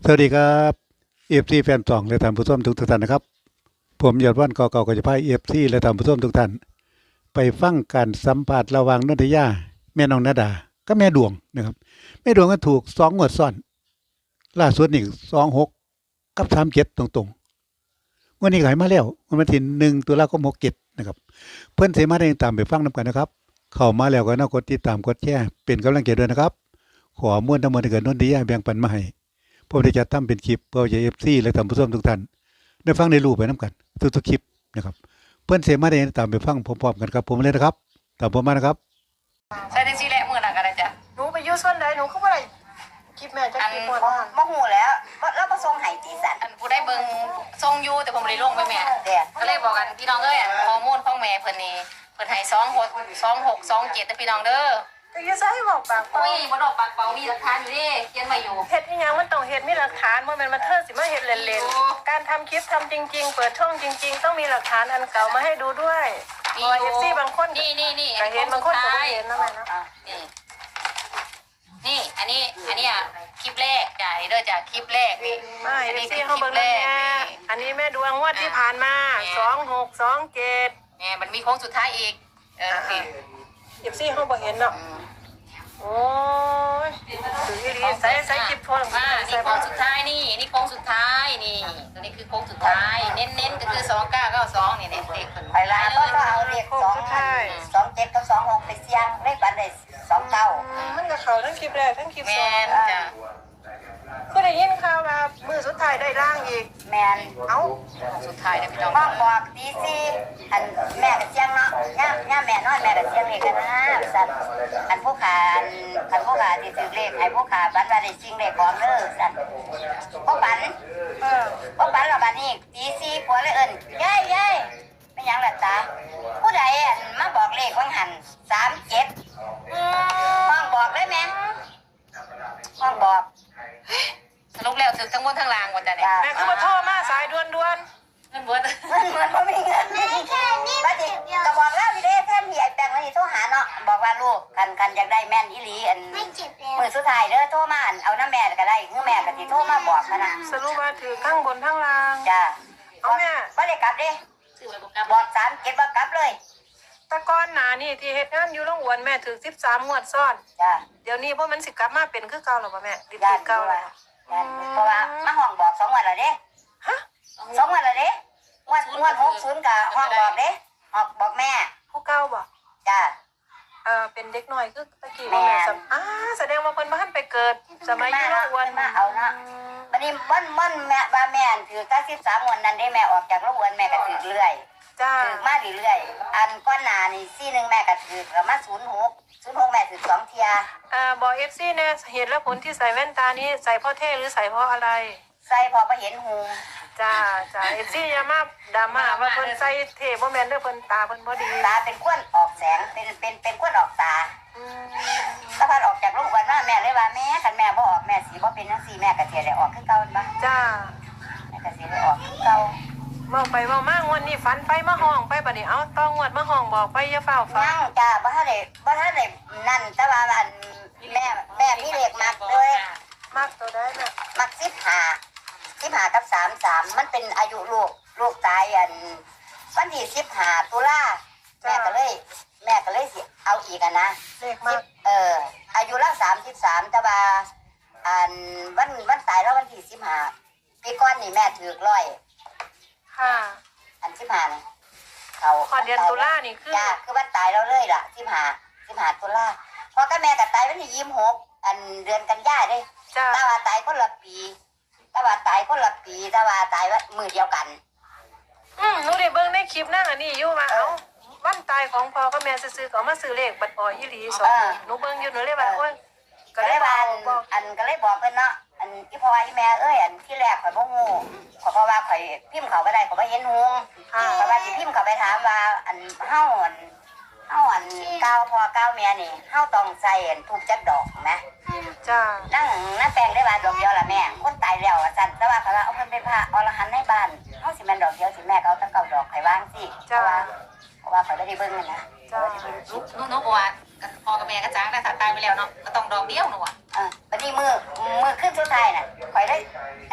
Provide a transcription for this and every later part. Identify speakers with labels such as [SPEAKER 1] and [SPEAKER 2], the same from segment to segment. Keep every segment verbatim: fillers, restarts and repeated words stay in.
[SPEAKER 1] วัสดีครับเอฟซีแฟนสองและท่านผู้ชมทุกท่านนะครับผมยอดวันกอเก่าก็จะพาเอฟซีและท่านผู้ชมทุกท่านไปฟังการสัมภาษณ์ระหว่างนนทยาแม่น้องนาดาก็แม่ดวงนะครับแม่ดวงก็ถูกสองงวดซ้อนล่าสุดนี่สองหกกับสามเจ็ดตรงๆวันนี้ขายมาแล้ววันที่หนึ่งตุลาคมหกเจ็ดนะครับเพื่อนเสมาได้ตามไปฟังนำกันนะครับเข้ามาแล้วก็น่ากดติดตามกดแชร์เป็นกำลังใจด้วยนะครับขอม้วนทั้งหมดที่เกิดนนทยาแบ่งปันมาให้ผมได้จัดทำเป็นคลิปเพื่อจะเอฟซีและท่านผู้ชมทุกท่านได้ฟังได้รู้ไปน้ำกันทุกๆคลิปนะครับเพื่อนเสมาได้ตามไปฟังพร้อมๆกันครับผมเลยนะครับตามผมมานะครับ
[SPEAKER 2] ใช่ได้สิแหละมื้อนั้นก็ได้จ้ะ
[SPEAKER 3] หนูไปอยู่ส่วนใดหนูก็บ่ได้คลิปแม่จะคลิปบ่ทัน
[SPEAKER 4] บ่ฮู้แล้วแล้วบ่ส่งให้ตีสัน
[SPEAKER 2] อันผู้ได้เบิ่งทรงอยู่แต่ผมบ่ได้ลงไปแม่
[SPEAKER 4] เด้อ
[SPEAKER 2] ก็เลยบอกกันพี่น้องเอ้ยข้อมูลของแม่เพิ่นนี่เพิ่นให้สองหก สองหก สองเจ็ดแต่พี่น้องเด้อ
[SPEAKER 3] ก็อยู่ไสบอกปากเปล่า
[SPEAKER 2] อุ้ยบ่ดอกปากเปล่ามีหลักฐานอยู่เด้เขียนไว้อยู่
[SPEAKER 3] เฮ็ดอีหยังมันต้องเฮ็ดมีหลักฐานบ่แม่นมาเธอสิมาเฮ็ดเล่นๆการทำคลิปทำจริงๆเปิดช่องจริงๆต้องมีหลักฐานอันเก่ามาให้ดูด้วยเพราะว่า เอฟ ซี บางคน
[SPEAKER 2] นี่นี่นี่
[SPEAKER 3] ก็เห็นบางคนก็บ่เห็นนะแม่นะ
[SPEAKER 2] นี่นี่อันนี้อันนี้อ่ะคลิปแรกจ้ะเด้อจ้ะคลิปแรกนี่
[SPEAKER 3] ไม่
[SPEAKER 2] อัน
[SPEAKER 3] เอ
[SPEAKER 2] นี้
[SPEAKER 3] ฟ
[SPEAKER 2] คื
[SPEAKER 3] ซี
[SPEAKER 2] อ
[SPEAKER 3] เฮา
[SPEAKER 2] คลิ
[SPEAKER 3] เบิ่
[SPEAKER 2] ป
[SPEAKER 3] ง
[SPEAKER 2] แร
[SPEAKER 3] แล้ว
[SPEAKER 2] ก
[SPEAKER 3] แม่อันนี้แม่ดวงงวดที่ผ่านมาสองหก สองเจ็ด
[SPEAKER 2] แม่มันมีโค้งสุดท้ายอีกเออนี่
[SPEAKER 3] เอฟ ซี เฮาบ่เห็นเนาะโอ้ยถือดีใส่ใส่คลิปโทร
[SPEAKER 2] อ่านี่โค้งสุดท้ายนี่นี่โค้งสุดท้ายนี่ตัวนี้คือโค้งสุดท้ายเน้นๆก็คือสองเก้าเก้าสองนี่เนี่ยเลขเพิ่น
[SPEAKER 4] ไปหลายก็ต้องเอาเลขสองสองเจ็ดกับสองหกไปเสี่ยงเลขบัตรได้สองเก้า
[SPEAKER 3] มันก็เข้าทั้งคลิปแรกทั้งคลิป
[SPEAKER 2] แม
[SPEAKER 3] สอง
[SPEAKER 2] นจ้ะ
[SPEAKER 3] ก็ได้ยินข่าวว่ามือสุดท้ายได้ร่างอีก
[SPEAKER 4] แม่น
[SPEAKER 3] เอ้า
[SPEAKER 2] สุดท้ายนะพี่น้อง
[SPEAKER 4] ห้องบอกตีสี่อันแม่ก็เสี่ยงเนาะย่าย่าแม่นอนแม่ก็เสี่ยงเลขกันนะสัตว์อันผู้ขาอันอันผู้ขาที่ถือเลขให้ผู้ขาบัตรว่าได้จริงเลขของเด้อสัตว์บ่บัน
[SPEAKER 3] เออ
[SPEAKER 4] บ่บันแล้วบัดนี้ตีสี่ผัวเลยเอิ้นยายยายไม่หยังล่ะตาผู้ใดอันมาบอกเลขของหันสามเจ็ดห้องบอกเลยแม่ห้องบอก
[SPEAKER 2] สรุปแล้วถึงทั้งบนทั้งล่างหมดจ้ะเนี่ย
[SPEAKER 3] แม่คือมาโทรมาสายด่วนด่วน
[SPEAKER 2] เงินเบิด
[SPEAKER 4] มันเหมือนบ่มีเงินบัดนี้ก็บอกแล้วพี่เด้แทนพี่ไอ้แป้งมันนี่โทรหาเนาะบอกว่าลูกกันกันอยากได้แม่นอีหลีอันมื้อสุดท้ายเด้อโทรมาอันเอาน้ำแม่ก็ได้คือแม่ก็สิโทรมาบอกนะนะ
[SPEAKER 3] สรุปว่าถือทั้งบนทั้งล่าง
[SPEAKER 4] จ้า
[SPEAKER 3] เอาแม่
[SPEAKER 4] บ่ได้กลับเด้
[SPEAKER 2] ซื้อไว้บ่กลับ
[SPEAKER 4] บอกสามเก็บบ่กลับเลย
[SPEAKER 3] แตะก้อนหนานี่ที่เฮ็ดงานอยู่โรงอวนแม่ถือสิบสามงวดซ้อน
[SPEAKER 4] จ้า
[SPEAKER 3] เดี๋ยวนี้พวกมันสิกลับมาเป็นคือเก่าหรอป่ะแม่ดิบ
[SPEAKER 4] ย่า
[SPEAKER 3] ติดเก่าแล้ว
[SPEAKER 4] เพราะว่ามาห้องบอกสองวันแล้วเด้
[SPEAKER 3] ฮะ
[SPEAKER 4] สองวันแล้วเด้งวดงวดหกศูนย์ก็ห้องบอกเด้ออกบอกแม่
[SPEAKER 3] ผู้เก่าบ่
[SPEAKER 4] จ้า
[SPEAKER 3] เออเป็นเด็กน้อยคือตะกี้บ่แม่สำอ่าแสดงว่าเพิ่นบ่ทันไปเกิดสมัยอยู่โรงอวน
[SPEAKER 4] มาเอาเนาะบัดนี้มันมันแม่ว่าแม่ถือเก้าสิบสามงวดนั้นได้แม่ออกจากโรงอวนแม่ก็ถือเรื่อย
[SPEAKER 3] จ้า
[SPEAKER 4] ถือมาเรื่อยๆอันก้อนหนานี่ซี่หนึ่งแม่ก็ถือประมาณศูนย์หกศูนย์หกแม่ถือสองเทีย
[SPEAKER 3] เอ่อบอก เอฟ ซี แน่เหตุและผลที่ใส่แว่นตานี้ใส่เพราะเท่หรือใส่เพราะอะไร
[SPEAKER 4] ใส่พอไปเห็นหู
[SPEAKER 3] จ้าจ้า เอฟ ซี อย่ามาดราม่าว่าเพิ่นใส่เท่บ่แม่นเด้อเพิ่นตาเพิ่นบ่ดี
[SPEAKER 4] ตาเป็นก้วนออกแสงเป็นเป็นเป็นก้วนออกตา
[SPEAKER 3] อืม
[SPEAKER 4] ถ้าพันออกจากโรงพยาบาลมาแม่เลยว่าแม่คันแม่บ่ออกแม่สีบ่เป็นจังซี่แม่ก็เทียได้ออกคือเก่าบ่
[SPEAKER 3] จ้า
[SPEAKER 4] แม่ก็สิได้ออกคือเก่า
[SPEAKER 3] เมาไปเมามางวดนี้ฝันไปมาห้องไปบัดนี้เอาต้องงวดมาห้องบอกไปอย่าเฝ้าฟัง
[SPEAKER 4] ยังจ้าบ่ทันได้บ่ทันได้นั่นแต่ว่าอันแม่แม่มีเลขมักเลย
[SPEAKER 3] มากตัวได้แม่
[SPEAKER 4] มักสิบห้า สิบห้ากับสามสิบสามมันเป็นอายุลูกลูกตายอันวันที่สิบห้าตุลาแม่ก็เลย แม่ก็เลยสิเอาอีกอ่ะนะ
[SPEAKER 3] เลขมาก
[SPEAKER 4] เอออายุละสามสิบสามแต่ว่าอันวันวันตายแล้ววันที่สิบห้าปีก่อนนี่แม่ถือร้อย
[SPEAKER 3] ค่ะ
[SPEAKER 4] อันสิบห้านี่เขา
[SPEAKER 3] ขอเดือนตุลานี่คือ
[SPEAKER 4] จ้าคือวันตายเราเลยล่ะสิบห้าสิบห้าตุลาพอก็แม่ก็ตายวันที่ยี่สิบหกอันเดือนกันยายนเด้
[SPEAKER 3] จ้า
[SPEAKER 4] แต่ว่าตายคนละปีแต่ว่าตายคนละปีแต่ว่าตายวันมือเดียวกัน
[SPEAKER 3] อืมหนูได้เบิ่งในคลิปนั่งอันนี้อยู่ว่าเอ้าวันตายของพ่อกับแม่ซื้อๆก็เอามาซื้อเลขบัตรพออีหลีสองหนูเบิ่งอยู่หนูเลยว่าโอ้ยก็
[SPEAKER 4] ก็
[SPEAKER 3] เล
[SPEAKER 4] เลย ย
[SPEAKER 3] บอ
[SPEAKER 4] ว่าก
[SPEAKER 3] บอก
[SPEAKER 4] อันก็เลยบอกเพิ่นเนาะอันที่พ่อว่าอีแม่เอ้ยอันที่แรกข่อยบ่ฮู้ข่อยเพราะว่าข่อยพิมพ์เขาบ่ได้ข่อยบ่เห็นฮู้
[SPEAKER 3] ค่ะ
[SPEAKER 4] เพราะว่าสิพิมพ์เขาไปถามว่าอันเฮาอันเฮาอันก้าวพ่อก้าวแม่นี่เฮาต้องใส่อันทูบจักดอกนะ
[SPEAKER 3] จ้า
[SPEAKER 4] นั่งนั่งแปลงได้บาดดอกเดียวล่ะแม่คนตายแล้วว่าซั่นแต่ว่าเขาว่าเอาเพิ่นไปพระอรหันต์ในบ้านเฮาสิแม่นดอกเดียวสิแม่ก็เอาตั้งเก้าดอกให้วางสิเพราะว่าเพราะว่าข่อยบ่ได้เบิ่งนั่นนะ
[SPEAKER 3] จ้า
[SPEAKER 2] ลูกลูกน้องบอกว่าพ่อกับแม่ก็จ้างได้ถ้าตายไปแล้วเนาะก็ต้องดอกเดียวหนูอ่ะ
[SPEAKER 4] เออบัดนี้มือมือขึ้นสุดท้ายน่ะข่อยได้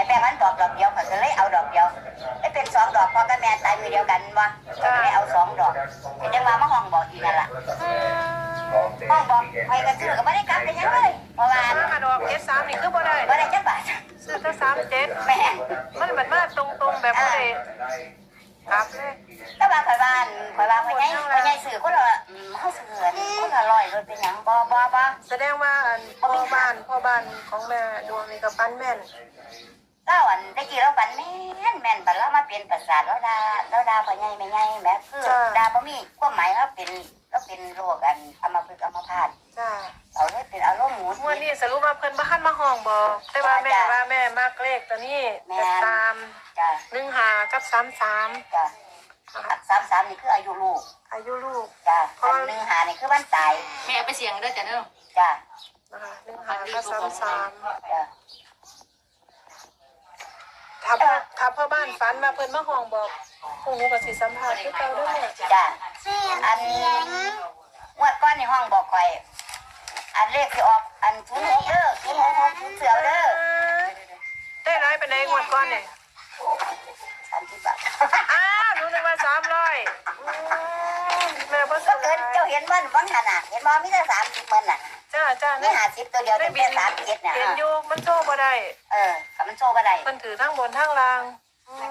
[SPEAKER 4] อเดียวกันบ่ก็เลยเอาสองดอกก็จังว่ามาห้องบอกอีกนั่นล่ะ
[SPEAKER 3] อืม
[SPEAKER 4] ห้องบอกไปก็ซื้อก็บ่ได้กลับไปยังเลยเพราะว่า
[SPEAKER 3] ถ้ากระดอกเจ็ดสามนี่คือบ่ได้
[SPEAKER 4] บ่ได้จักบาท
[SPEAKER 3] ซื้อแค่สามเจ็ด
[SPEAKER 4] แม่
[SPEAKER 3] มันเหมือนมาตรงๆแบบบ่ได้กลับเลย
[SPEAKER 4] แต่ว่าข่อยบ้านข่อยว่าข่อยใหญ่ข่อยใหญ่ซื้อคนละอืมเฮาซื้ออันคนละร้อยรถเป็นหยังบ่บ่บ่
[SPEAKER 3] แสดงว่าอันพ่อบ้านพ่อบ้านของแม่ดวงนี่ก็ปั้นแม่น
[SPEAKER 4] เล่าอันตะกี้เราฝันแม่นแม่นบัดเรามาเป็นประสาทแล้วดาแล้วดาพ่อใหญ่แม่ใหญ่แม่คือดาบ่มีความหมายว่าเป็นก็เป็นโรคอันอัมพฤกษ์อัมพาต
[SPEAKER 3] จ้า
[SPEAKER 4] เอาเลยเป็นอารมณ์หมุน
[SPEAKER 3] งวดนี้สรุปว่าเพิ่นบ่ทันมาห้องบอกแต่ว่าแม่ว่าแม่มักเลขตัวนี้จะตาม
[SPEAKER 4] จ้ะ
[SPEAKER 3] หนึ่งห้ากับสามสาม
[SPEAKER 4] จ้ะสามสามนี่คืออายุลูก
[SPEAKER 3] อายุลูก
[SPEAKER 4] จ้ะอันหนึ่งหานี่คือวันตาย
[SPEAKER 2] แม่เอาไปเสียงเด้อจ้ะเด้อ
[SPEAKER 4] จ้ะ
[SPEAKER 3] นะคะหนึ่งห้ากับสามสาม
[SPEAKER 4] จ้ะ
[SPEAKER 3] ถ้าพ่อถ้าพ่อบ้านฝันว่าเพิ่นมาห้องบอกพวกหนูก็สิสัมภาษณ์คือเก่าเด้อแม่
[SPEAKER 4] จ้ะอันงวดก้อนในห้องบอกข่อยอันเลขที่ออกอันทุนหกเด้อทุนหกหกทุนเสือเด้อ
[SPEAKER 3] ได้ร้ายไปไหนงวดก่อนเนี่ย
[SPEAKER 4] สามสิบบาท
[SPEAKER 3] อ้าวหนูนึกว่าสามร้อยแม่บ่
[SPEAKER 4] ก็
[SPEAKER 3] ซื้อ
[SPEAKER 4] เกินเจ้าเห็นมันบ้างขนาดเห็นบ่มีแต่สามสิบมันน่ะ
[SPEAKER 3] จ้าจ้า
[SPEAKER 4] มีหาสิบตัวเดียว
[SPEAKER 3] ได้
[SPEAKER 4] แต่
[SPEAKER 3] บิ
[SPEAKER 4] เป็น นสามเจ็ดน่ะ
[SPEAKER 3] เห็นอยู่มันโชว์บ่ได้
[SPEAKER 4] เออกับมันโชว์บ่ได้
[SPEAKER 3] เพิ่นถือทั้งบนทั้งล่างอืม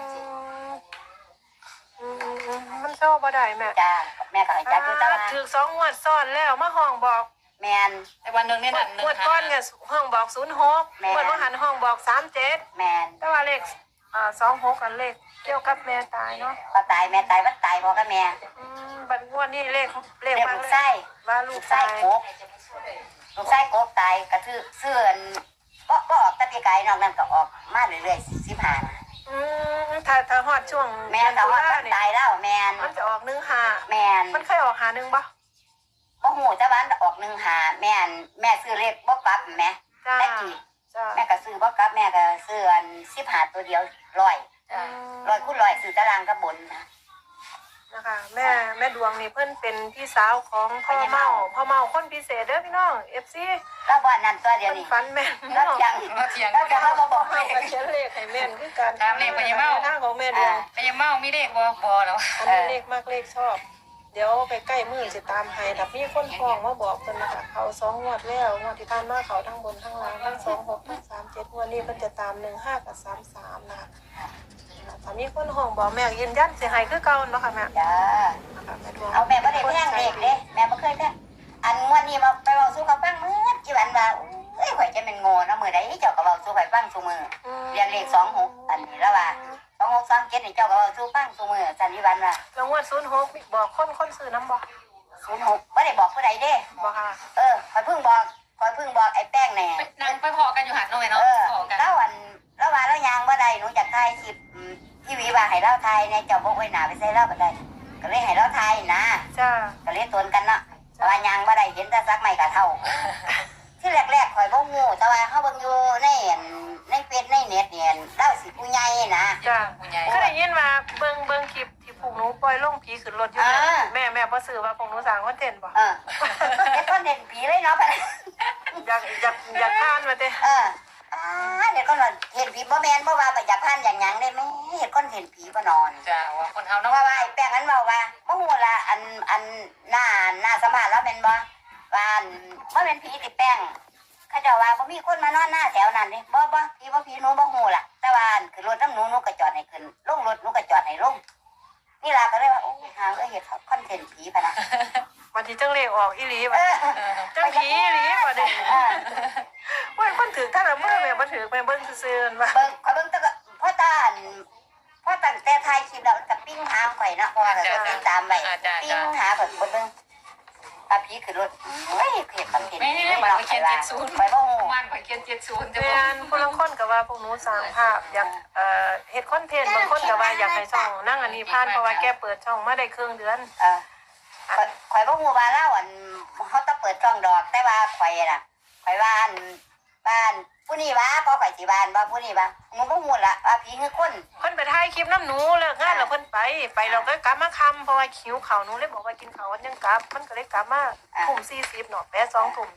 [SPEAKER 3] อืมอืมอืมมันโชว์บ่ได้แม่
[SPEAKER 4] จ้ะแม่ก็ให้จัดอยู่แต่ว่า
[SPEAKER 3] ถือสองงวดซ้อนแล้วมาห้องบอก
[SPEAKER 4] แม่น
[SPEAKER 2] ไอ้วันหนึงเนี่ยนั่นหนึ่
[SPEAKER 3] ง
[SPEAKER 2] ง
[SPEAKER 3] วดก้อนเนี่ยห้องบอกศูนย์หก
[SPEAKER 4] แม่
[SPEAKER 3] งวดว่าหันห้องบอกสามเจ็ด
[SPEAKER 4] แม่น
[SPEAKER 3] แต่ว่าเลขอ่าสองหกกันเลขเกี่ยวกับแม่ตายเนาะ
[SPEAKER 4] ก็ตายแม่ตายวัดตายพ่อกับแม่
[SPEAKER 3] อืมบัดงวดนี้เลขเล
[SPEAKER 4] เรี
[SPEAKER 3] ข
[SPEAKER 4] ยก
[SPEAKER 3] มา
[SPEAKER 4] ลูก
[SPEAKER 3] เล
[SPEAKER 4] ไส้
[SPEAKER 3] ยว่าลู
[SPEAKER 4] ลู
[SPEAKER 3] ก
[SPEAKER 4] กไส้
[SPEAKER 3] ตาย
[SPEAKER 4] โกกลูกไส้โกกตายกระทืบเสื่อนก็ก็ออกตะปีกายนอกนั้นก็ออกมาเรื่อยๆสิบห้า
[SPEAKER 3] อืมถ้าถ้าฮอดช่วง
[SPEAKER 4] แม่นแต่ว่า
[SPEAKER 3] ตุล
[SPEAKER 4] ตายแล้วแม่น
[SPEAKER 3] มันจะออกหนึ่งหา
[SPEAKER 4] แม่น
[SPEAKER 3] มันเคยออกหาหนึ่งปะ
[SPEAKER 4] บ่หูแต่ว่าออกหนึ่งหาแม่นแม่ซื้อเลขบ่กลับแม่
[SPEAKER 3] จ้า
[SPEAKER 4] แต่กี้
[SPEAKER 3] จ้า
[SPEAKER 4] แม่ก็ซื้อบ่กลับแม่ก็ซื้ออันสิบห้าตัวเดียวร้อย
[SPEAKER 2] จ้ะ
[SPEAKER 4] ร้อยคูณร้อยซื้อตารางกับบนนะ
[SPEAKER 3] นะคะแม่แม่ดวงนี่เพิ่นเป็นพี่สาวของพ่อเมาพ่อเมาคนพิเศษเด้อพี่น้องเอฟซี
[SPEAKER 4] แล้วบ่นั้นตัวเดียว
[SPEAKER 3] เพิ่น
[SPEAKER 4] นี่
[SPEAKER 3] ฟันแม่น
[SPEAKER 4] แล้ว
[SPEAKER 3] เนาะ
[SPEAKER 4] ยัง
[SPEAKER 2] มาเถียง
[SPEAKER 4] แล้วจะมาบอก
[SPEAKER 3] เมา
[SPEAKER 4] เล
[SPEAKER 3] ก็
[SPEAKER 4] ข
[SPEAKER 3] เขียนเลขให้แม่นคือกัน
[SPEAKER 2] ตามเลขพญาเมา
[SPEAKER 3] ทางของแม่ดวง
[SPEAKER 2] ไปยังเมามีเลขบ่บ่แล้ว
[SPEAKER 3] อันนี้เลขมากเลขชอบ เดี๋ยวไปใกล้มือสิตามให้ถ้ามีคนฟ้องมาบอกเพิ่นนะคะเขาสองงวดแล้วงวดที่ผ่านมาเขาทั้งบนทั้งล่างทั้งสองหกทั้งสามเจ็ดงวดนี้เพิ่นจะตามหนึ่งห้ากับสามสามนะคะถ้ามีคนห้องบอกแม่ยืนยันสิให้คือเก่าเนาะค่ะแม่
[SPEAKER 4] จ้า
[SPEAKER 3] นะคะแม่ดวง
[SPEAKER 4] เอาแม่บ่ได้แพงเลขเด้แม่บ่เคยแพงอันงวดนี้มาไปเว้าสู่เขาฟังมื้อกี่วันว่าเอ้ยข่อยจะเป็นโง่เนาะมื้อใดเจ้าก็เว้าสู่ข่อยฟังซุมื้อ
[SPEAKER 3] อืม
[SPEAKER 4] เรียนเลขสองหกอันนี้แล้วว่าสองหกสองเจ็ดนี่เจ้าก็เว้าสู่ฟังซุมื้อสันนิวันว่า
[SPEAKER 3] แล้วงวดศูนย์หกบอกคนคนซื้อน้ำบอก
[SPEAKER 4] ศูนย์หกบ่ได้บอกผู้ใดเด้
[SPEAKER 3] บอกค่ะ
[SPEAKER 4] เออข่อยเพิ่งบอกข่อยเพิ่งบอกไอ้แป้งแน่
[SPEAKER 2] ไปนั่งไปพอกันอยู่หันหน่อยเนาะ
[SPEAKER 4] เออ
[SPEAKER 2] พอกัน
[SPEAKER 4] แล้วอันแล้วว่าแล้วยางบ่ได้หนูจะถ่ายคลิปอืมทีวีว่าให้เราถ่ายในเจ้าบ่ไว้หน้าไปใส่เราบ่ได้ก็เลยให้เราถ่ายนะ
[SPEAKER 3] จ้า
[SPEAKER 4] ก็เลยตวนกันเนาะแต่ว่ายางบ่ได้เห็นแต่ซักไม่กะเท่า ที่แรกๆข่อยบ่งูแต่ว่าเฮาเบิ่งอยู่ในอันในเฟซในเน็ตเนี่ยเล่าสิผู้ใหญ่นะ
[SPEAKER 3] จ้า
[SPEAKER 2] ผู้ใหญ่
[SPEAKER 3] ก็ได้ยินว่าเบิ่งเบิ่งคลิปที่พวกหนูปล่อยลงผีขึ้นรถอยู่เนี่ย
[SPEAKER 4] อ่า
[SPEAKER 3] แม่แม่บ่ซื้อว่าพวกหนูสั่งคอนเทนต์บ่
[SPEAKER 4] เออเฮ็ดคอนเทนต์ผีเลยเนาะ
[SPEAKER 3] อยากอยากอยากทานมาเด้
[SPEAKER 4] เอออ่าเฮ็ดคอนเทนต์ผีบ่แม่นบ่ว่าบ่อยากผ่านอย่างหยังได้แม่เฮ็ดคอนเทนต์ผีบ่นอน
[SPEAKER 2] จ้ะว่าคนเฮา
[SPEAKER 4] เพ
[SPEAKER 2] เนาะ
[SPEAKER 4] ราะว่าไอ้แป้งนั้นเว้าว่าบ่ฮู้ล่ะอันอันหน้าหน้าสัมภาษณ์แล้วแม่นบ่ว่าอันบ่แม่นผีติแป้งเขาเจ้าว่าบ่มีคนมานอนหน้าแถวนั้นเด้บ่บ่ผีบ่ผีหนูบ่ฮู้ล่ะแต่ว่าอันขึ้นรถน้ำหนูหนูก็จอดให้ขึ้นลงรถหนูก็จอดให้ลงนี่ล่ะก็เลยว่าโอ้หาเอ้ยเฮ็ดคอนเทนต์ผีพะนะ
[SPEAKER 3] วันที่จังเลขออกอีหลี
[SPEAKER 4] เอ
[SPEAKER 3] บ่
[SPEAKER 4] อ
[SPEAKER 3] จังผีอีหลีบ่เด้
[SPEAKER 4] เออ
[SPEAKER 3] โอ้ยคนถือท่านละมื้อแม่บ่ถือแม่เบิ่งซื่อๆว่า
[SPEAKER 4] เบิ่งข่อยเบิ่งแต่ก็พ่อตาอันพ่อตั้งแต่ถ่ายคลิปแล้วก็ปิ้งหาข่อยเนาะเพราะว่าก็ติดตามไว้ปิ้งหาข่อยบ่เบิ่งปาผีขึ้นรถเฮ้ยเฮ็ดคอนเทนต์
[SPEAKER 2] ไม่
[SPEAKER 4] ผี
[SPEAKER 2] ได้
[SPEAKER 4] บ่
[SPEAKER 2] มา
[SPEAKER 4] เนาะ
[SPEAKER 2] เขียน
[SPEAKER 4] ข่
[SPEAKER 2] เจ็
[SPEAKER 4] อย
[SPEAKER 2] ดศูนย์
[SPEAKER 4] ว่าข่อยบ่ฮู้
[SPEAKER 2] มันข่อยเขียนเจ็ดศูนย์แต่
[SPEAKER 3] แม่
[SPEAKER 2] ว่า
[SPEAKER 3] นผู้ลางคนก็ว่าพวกหนูสร้างภาพอยากเอ่อเฮ็ดคอนเทนต์บางคนก็ว่าอยากให้ช่องนั่งอันนี้ผ่านเพราะว่าแกเปิดช่องมาได้ครึ่งเดือน
[SPEAKER 4] เออข่อยข่อยบ่ฮู้ว่าแล้วอันเฮาต้องเปิดช่องดอกแต่ว่าข่อยน่ะข่อยว่าอันบ้านผู้นี้ว่าบ่ข่อยสิบ้านบ่ผู้นี้ว่าหนูบ่ฮู้ล่ะว่าผีคือคน
[SPEAKER 3] เพิ่นไปถ่ายคลิปน้ำหนูเลิกงานแล้วเพิ่นไปไปเราก็กลับมาค่ำเพราะว่าหิวข้าวหนูเลยบอกว่ากินข้าววันยังกลับมันก็เลยกลับมาทุ่มสี่สิบเนาะแปดสองทุ่ม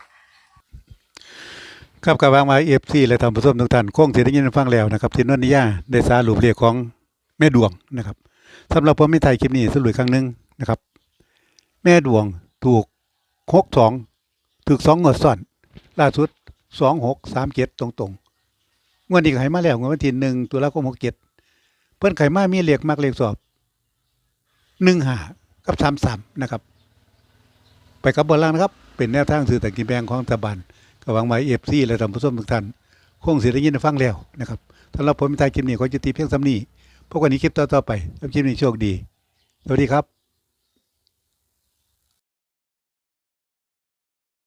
[SPEAKER 1] ครับกับวางมาเอฟซีและท่านผู้ชมทุกท่านคงสิได้ยินฟังแล้วนะครับที่นนทิยาได้สารุปเรียกของแม่ดวงนะครับสำหรับผมไม่ถ่ายคลิปนี้สรุปอีกครั้งหนึงนะครับ แม่ดวงถูกหกสองถูกสองงวดซ้อนล่าสุดสองหกสามเจ็ดตรงๆงวดนี้ก็ให้มาแล้วงวดวันที่หนึ่งตุลาคมหกเจ็ดเพิ่นไขมามีเลขมักเลขสอบหนึ่งห้ากับสามสามนะครับ ไปกับบนล่างนะครับ เป็นแนวทางสื่อต่างกินแบงของรัฐบาลก็หวังไว้เอฟซีและท่านผู้ชมทุกท่านคงสิได้ยินได้ฟังแล้วนะครับสำหรับผมในท้ายคลิปนี้ขอจุติเพียงสำนี้พบกันในคลิปต่อๆไปแล้วคลิปนี้โชคดีสวัสดีครับ